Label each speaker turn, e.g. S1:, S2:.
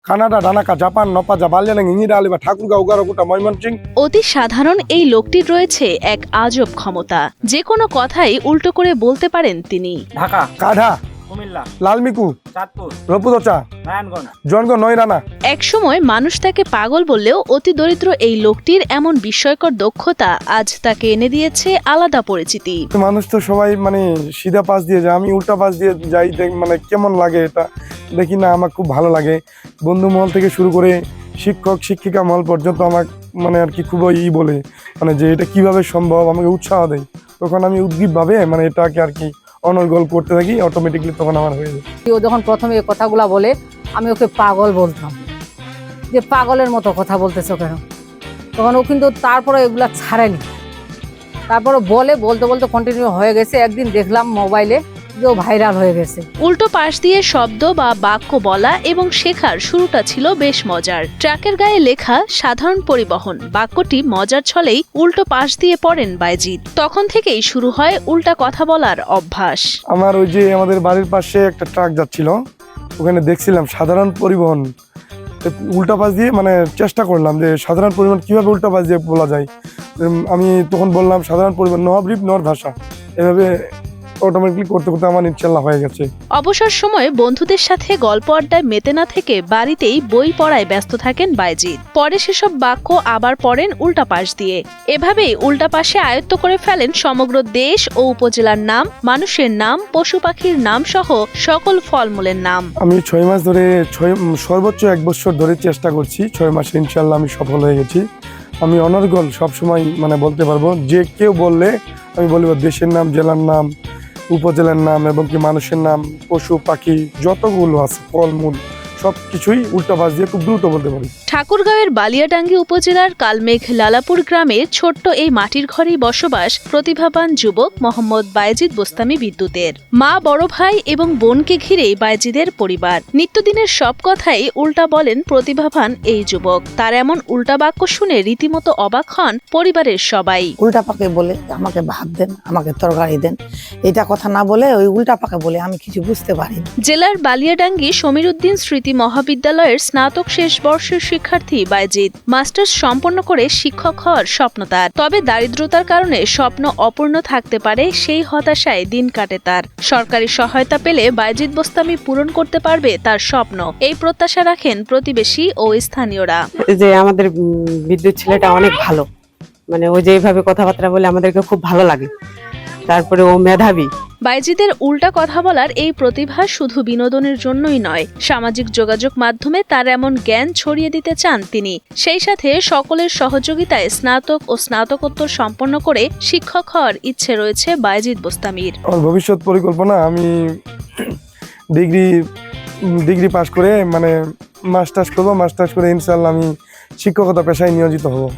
S1: Canada, Dhaka, Japan, নপাজা, বালিয়াডাঙ্গি, ইঞ্জিরা আলী বা ঠাকুরগাঁও, উগারকুটা, ময়মনসিংহ।
S2: অতি সাধারণ এই লোকটির রয়েছে এক আজব ক্ষমতা। যে কোনো কথাই উল্টো করে বলতে পারেন তিনি।
S3: ঢাকা,
S1: কাঢা,
S3: কুমিল্লা,
S1: লালমিকু,
S3: চাঁদপুর,
S1: রপুদচা,
S3: নারায়ণগঞ্জ।
S1: জনগণ, নয়রানা।
S2: একসময় মানুষ তাকে পাগল বললেও অতি দরিদ্র এই লোকটির এমন বিস্ময়কর দক্ষতা আজ তাকে এনে দিয়েছে আলাদা পরিচিতি।
S1: মানুষ তো সবাই মানে সিধা পাশ দিয়ে যায়, আমি উল্টা পাশ দিয়ে যাই, মানে কেমন লাগে এটা দেখি না, আমার খুব ভালো লাগে। বন্ধু মহল থেকে শুরু করে শিক্ষক শিক্ষিকা মহল পর্যন্ত আমার মানে আর কি খুবই বলে মানে যে এটা কিভাবে সম্ভব, আমাকে উৎসাহ দেয়। তখন আমি উদ্গ্রীবভাবে মানে এটাকে আর কি অনর্গল করতে থাকি, অটোমেটিকলি তখন আমার হয়ে যায়।
S4: ও যখন প্রথমে এই কথাগুলা বলে আমি ওকে পাগল বলতাম, যে পাগলের মতো কথা বলতেছো কেন। তখন ও কিন্তু তারপরে এগুলা ছাড়েনি, তারপরে বলতে বলতে কন্টিনিউ হয়ে গেছে। একদিন দেখলাম মোবাইলে যে ও ভাইরাল হয়ে গেছে।
S2: উল্টো পাশ দিয়ে শব্দ বা বাক্য বলা এবং শেখার শুরুটা ছিল বেশ মজার। ট্রাকের গায়ে লেখা সাধারণ পরিবহন বাক্যটি মজার ছলেই উল্টো পাশ দিয়ে পড়েন বাইজিদ। তখন থেকেই শুরু হয় উল্টা কথা বলার অভ্যাস।
S1: আমার ওই যে আমাদের বাড়ির পাশে একটা ট্রাক যাচ্ছিল, ওখানে দেখছিলাম সাধারণ পরিবহন, উল্টা পাশ দিয়ে মানে চেষ্টা করলাম যে সাধারণ পরিবহন কিভাবে উল্টা পাশ দিয়ে বলা যায়। আমি তখন বললাম সাধারণ পরিবহন নহবরিপ নর ভাষা, এভাবে অটোমেটিকলি করতে করতে আমার ইনশাল্লাহ হয়ে গেছে।
S2: অবসর সময়ে বন্ধুদের সাথে গল্প আড্ডায় মেতে না থেকে বাড়িতেই বই পড়ায় ব্যস্ত থাকেন বাইজিদ। পরে সেসব বাক্য আবার পড়েন উল্টা পাশ দিয়ে। এভাবেই উল্টা পাশে আয়ত্ত করে ফেলেন সমগ্র দেশ ও উপজেলার নাম, মানুষের নাম, পশু পাখির নাম সহ সকল ফলমূলের নাম।
S1: আমি 6 মাস ধরে সর্বোচ্চ 1 বছর ধরে চেষ্টা করছি। 6 মাসে ইনশাল্লাহ আমি সফল হয়ে গেছি। আমি অনর্গল সবসময় মানে বলতে পারবো, যে কেউ বললে আমি বলবো দেশের নাম, জেলার নাম, উপজেলার নাম এবং কি মানুষের নাম, পশু পাখি যতগুলো আছে, ফলমূল সবকিছুই উল্টা পাশ দিয়ে খুব দ্রুত বলতে পারি।
S2: ঠাকুরগাঁওয়ের বালিয়াডাঙ্গি উপজেলার কালমেঘ লালাপুর গ্রামের ছোট্ট এই মাটির ঘরেই বসবাস প্রতিভাবান যুবক মোহাম্মদ বাইজিদ বোস্তামি বিদ্যুতের। মা, বড় ভাই এবং বোনকে ঘিরেই বাইজিদের পরিবার। নিত্যদিনের সব কথাই উল্টা বলেন প্রতিভাবান এই যুবক। তার এমন উল্টা বাক্য শুনে রীতিমতো অবাক হন পরিবারের সবাই।
S5: উল্টা পাকে বলে আমাকে ভাত দেন, আমাকে তরকারি দেন, এটা কথা না বলে ওই উল্টা পাকে বলে আমি কিছু বুঝতে পারি।
S2: জেলার বালিয়াডাঙ্গি সমীর উদ্দিন স্মৃতি মহাবিদ্যালয়ের স্নাতক শেষ বর্ষের শিক্ষার্থী বাইজিদ মাস্টার্স সম্পন্ন করে শিক্ষক হওয়ার স্বপ্ন তার। তবে দারিদ্রতার কারণে স্বপ্ন অপূর্ণ থাকতে পারে, সেই হতাশায় দিন কাটে তার। সরকারি সহায়তা পেলে বাইজিদ বোস্তামি পূরণ করতে পারবে তার স্বপ্ন, এই প্রত্যাশা রাখেন প্রতিবেশী ও স্থানীয়রা।
S6: যে আমাদের বিদ্যুৎ ছেলেটা অনেক ভালো, মানে ও যেভাবে কথাবার্তা বলে আমাদেরকে খুব ভালো লাগে। তারপরে ও মেধাবী।
S2: বাইজিদের উল্টা কথা বলার এই প্রতিভা শুধু বিনোদনের জন্যই নয়, সামাজিক যোগাযোগ মাধ্যমে তার এমন জ্ঞান ছড়িয়ে দিতে চান তিনি। সেই সাথে সকলের সহযোগিতায় স্নাতক ও স্নাতকোত্তর সম্পন্ন করে শিক্ষক হওয়ার ইচ্ছে রয়েছে বাইজিদ বোস্তামির।
S1: আমার ভবিষ্যৎ পরিকল্পনা, আমি ডিগ্রি পাস করে মানে মাস্টার্স করবো। মাস্টার্স করে ইনশাল্লাহ আমি শিক্ষকতা পেশায় নিয়োজিত হব।